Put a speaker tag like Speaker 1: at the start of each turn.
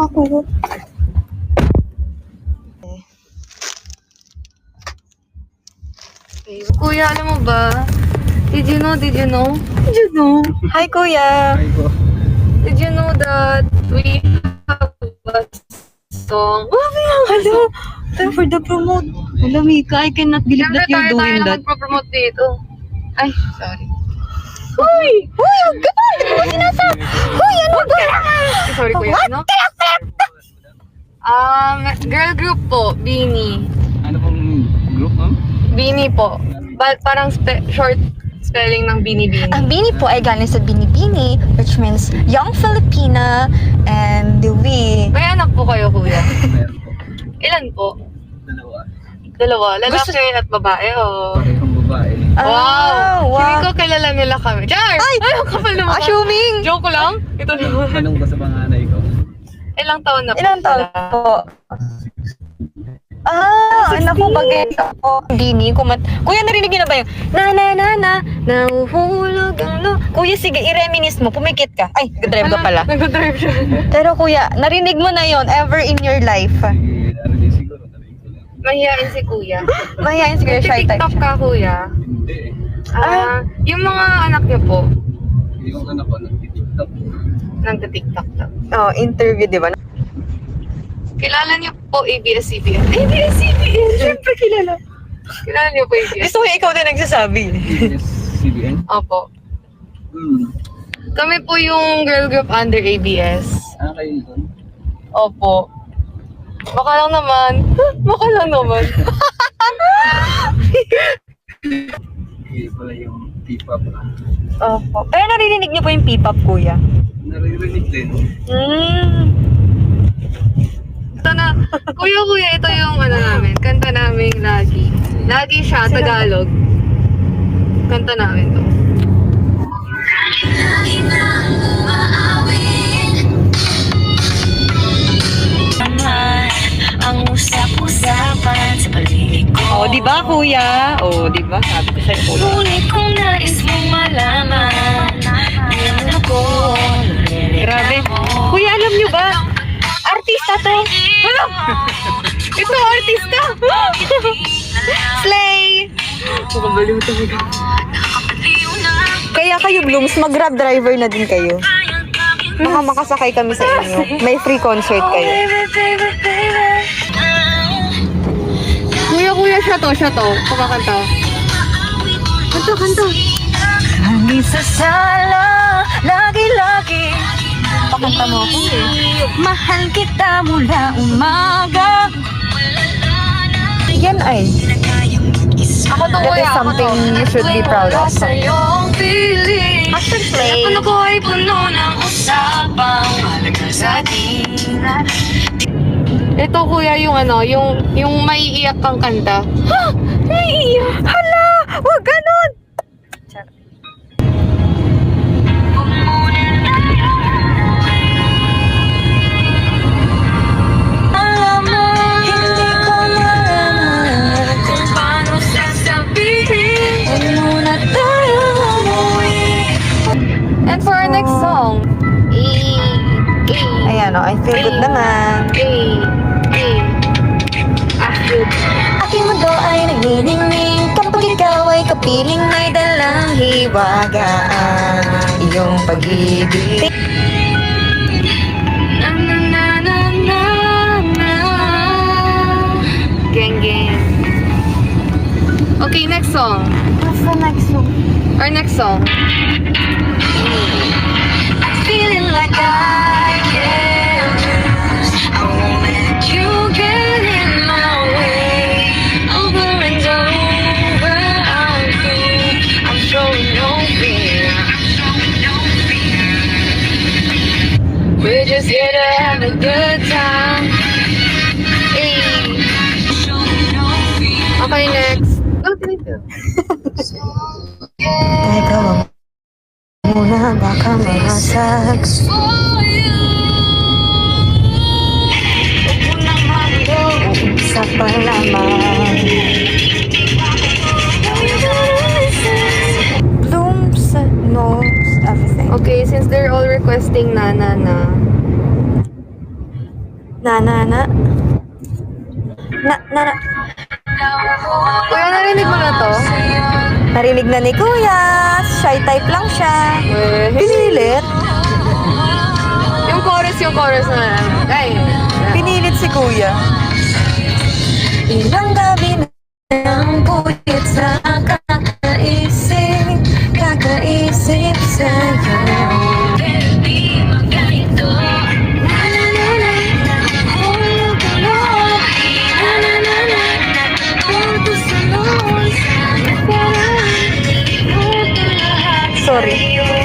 Speaker 1: ako.
Speaker 2: Okay. Kuya, alam mo ba? Did you know?
Speaker 1: Did you know? Hi, Kuya.
Speaker 3: Ay ko.
Speaker 2: Did you know that we have a song?
Speaker 1: Hello. Time for the promote. Hello, Mika. I cannot believe
Speaker 2: Siyempre
Speaker 1: that you're
Speaker 2: tayo
Speaker 1: doing
Speaker 2: na
Speaker 1: that.
Speaker 2: magpropromote dito. Ay, sorry.
Speaker 1: Hoy! Hoy! Huwag ka ba? Hindi mo sinasabi. Hoy! Ano ba?
Speaker 2: Sorry, kuya. Ano? Girl group po, Beanie.
Speaker 3: Ano pong group, ma'am?
Speaker 2: Beanie po. Parang short spelling ng Beanie Beanie.
Speaker 1: Ang Bini po ay galing sa Binibini, which means Young Filipina, and we...
Speaker 2: May anak po kayo, kuya.
Speaker 3: Meron po.
Speaker 2: Ilan po?
Speaker 3: Dalawa.
Speaker 2: Dalawa. Lalaki at babae, o?
Speaker 3: Parehong babae.
Speaker 2: Wow!
Speaker 1: wow.
Speaker 2: Hindi ko kilala nila kami. Char!
Speaker 1: Ay!
Speaker 2: Ang kapal naman.
Speaker 1: Assuming!
Speaker 2: Joke ko lang. Ito naman.
Speaker 3: Anong ba sa panganay ko?
Speaker 2: Ilang taon na po
Speaker 1: Ilang taon
Speaker 2: sila?
Speaker 1: po? Anak ko bagay ako. Bini, Kuya, narinig niyo na ba yung nahuhulog ang lo... Kuya, sige, i-reminisce mo. Pumikit ka. Ay, drive ka pala.
Speaker 2: Nag-drive siya.
Speaker 1: Pero kuya, narinig mo na yon ever in your life.
Speaker 3: Sige, narinig siguro. Narinig ko lang.
Speaker 2: Mahihain si kuya.
Speaker 1: Mahihain siguro shy type
Speaker 2: TikTok
Speaker 1: siya.
Speaker 2: ka, kuya.
Speaker 3: Hindi.
Speaker 2: Yung mga anak niyo po,
Speaker 3: Yung anak ko, nag-tiktok.
Speaker 2: nagta-TikTok daw.
Speaker 1: Oh, interview, di ba?
Speaker 2: Kilala niyo po ABS-CBN? ABS-CBN! Siyempre kilala. Kilala niyo po ABS?
Speaker 1: Gusto ko ikaw din nagsasabi.
Speaker 3: CBN?
Speaker 2: Opo.
Speaker 3: Hmm.
Speaker 2: Kami po yung girl group under ABS.
Speaker 3: Kayo doon?
Speaker 2: Opo. Baka lang naman. Baka lang naman.
Speaker 3: Hindi pala yung P-pop.
Speaker 1: Opo. Pero narinig niyo po yung P-pop, kuya?
Speaker 3: Naririnig din.
Speaker 2: Ito na. Kuya, ito yung ano namin. Kanta namin lagi. Lagi siya, Tagalog. Kanta namin to.
Speaker 4: Ang usap-usapan sa paligid ko.
Speaker 1: Oh, di ba, kuya? Oh, di ba? Sabi ko sa'yo, kuya.
Speaker 4: Ngunit kung nais mong malaman, alam ako,
Speaker 1: Grabe. Kuya, alam niyo ba? Artista to. Ano? Ito, artista. Slay!
Speaker 2: Makabaliw talaga.
Speaker 1: Kaya kayo, Blooms, mag-grab driver na din kayo. Baka makasakay kami sa inyo. May free concert kayo.
Speaker 2: Kuya, siya to. Kumakanta. Kanta.
Speaker 4: Hangin sa sala, lagi-lagi
Speaker 1: Pakanta mo ako eh.
Speaker 4: mahal kita mula umaga.
Speaker 1: Yan ay.
Speaker 2: Ako to,
Speaker 1: That
Speaker 2: kuya.
Speaker 1: is something you should be proud of.
Speaker 4: Sa iyong piling,
Speaker 1: Hashtag slay.
Speaker 4: ano ko ay puno ng usapang malaga sa atin.
Speaker 2: Ito, kuya, yung ano, yung maiiyak kang kanta.
Speaker 1: Ha! Naiiyak! Hala! Huwag ganun!
Speaker 4: Alam mo, hindi ko malaman kung paano sasabihin. Huwag muna tayo umuwi.
Speaker 2: And for our next song,
Speaker 1: Ayan o, I feel good naman.
Speaker 4: Aking mundo ay nagniningning kapag ikaw ay kapiling may dalang hiwagaan. Iyong pag-ibig.
Speaker 2: Gang. Okay, next song.
Speaker 1: What's the next one?
Speaker 2: Our next song.
Speaker 4: Feeling like I can't lose. I won't let you get in my way. Over and over, I'm showing no fear. We're just here to have a good time.
Speaker 2: Okay, next. Oh, thank you.
Speaker 1: Teka, wag muna, baka mahasag. Isa pa naman. Blooms knows everything.
Speaker 2: Okay, since they're all requesting na.
Speaker 1: Na.
Speaker 2: Kuya, narinig mo na to?
Speaker 1: Narinig na ni Kuya. Shy type lang siya.
Speaker 2: Eh,
Speaker 1: Pinilit.
Speaker 2: yung chorus na. Ay,
Speaker 1: Pinilit si Kuya. Ilang gabi ng puyit sa kakaisip sa'yo. Sorry.